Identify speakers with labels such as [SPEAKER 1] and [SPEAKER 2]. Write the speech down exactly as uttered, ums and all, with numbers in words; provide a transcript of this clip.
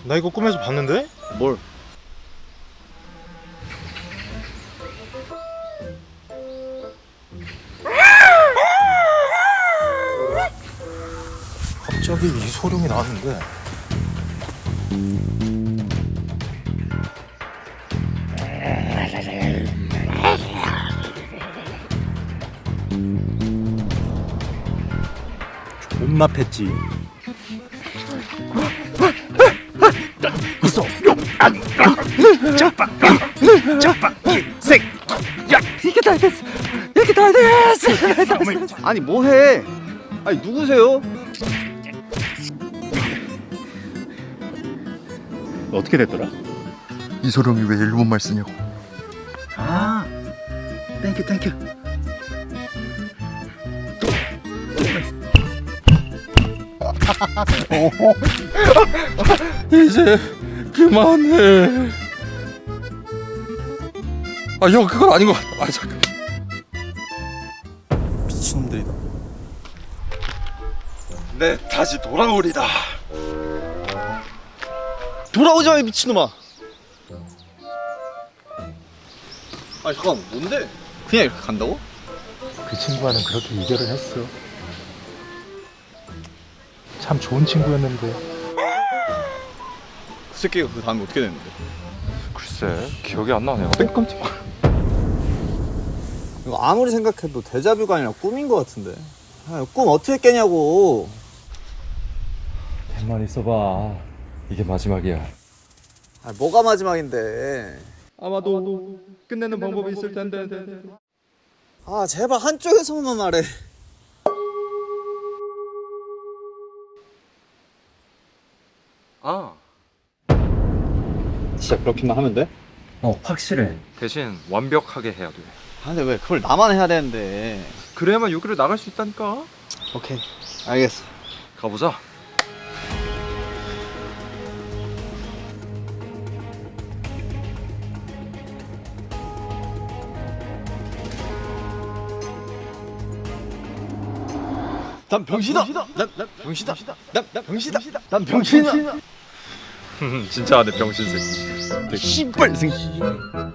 [SPEAKER 1] 나 이거 꿈에서 봤는데?
[SPEAKER 2] 뭘?
[SPEAKER 1] 갑자기 이 소름이 나는데. 존나 팼지. 있어. 짜파, 짜파, 색. 야, 이게 다 됐어. 이게 다 됐어.
[SPEAKER 2] 아니 뭐해? 아니 누구세요?
[SPEAKER 1] 어떻게 됐더라?
[SPEAKER 3] 이소룡이 왜 일본말 쓰냐고.
[SPEAKER 2] 아, 땡큐 땡큐.
[SPEAKER 3] 이제 그만해. 아 형 그건 아닌 것 같아. 아 잠깐.
[SPEAKER 1] 미친놈들이다.
[SPEAKER 3] 네 다시 돌아오리다.
[SPEAKER 2] 돌아오지 마, 이 미친놈아. 아 잠깐, 뭔데? 그냥 이렇게 간다고?
[SPEAKER 1] 그 친구와는 그렇게 이별을 했어. 참 좋은 친구였는데.
[SPEAKER 2] 그 새끼가 그 다음에 어떻게 됐는데?
[SPEAKER 3] 글쎄 기억이 안 나네요. 깜짝.
[SPEAKER 2] 이거 아무리 생각해도 데자뷰가 아니라 꿈인 것 같은데. 아, 꿈 어떻게 깨냐고.
[SPEAKER 3] 가만히 있어봐. 이게 마지막이야.
[SPEAKER 2] 아, 뭐가 마지막인데.
[SPEAKER 3] 아마도 끝내는 방법이 있을 텐데.
[SPEAKER 2] 아 제발 한쪽에서만 말해.
[SPEAKER 3] 아.
[SPEAKER 2] 진짜 그렇게만 하면 돼?
[SPEAKER 3] 어 확실해. 대신 완벽하게 해야 돼.
[SPEAKER 2] 아 근데 왜 그걸 나만 해야 되는데.
[SPEAKER 3] 그래야만 여기를 나갈 수 있다니까.
[SPEAKER 2] 오케이 알겠어.
[SPEAKER 3] 가보자.
[SPEAKER 2] 난 병신이다. 난, 난 병신이다. 난, 난 병신이다. 난 병신이다.
[SPEAKER 3] 진짜 내 병신 새끼.
[SPEAKER 2] 씨발 새끼.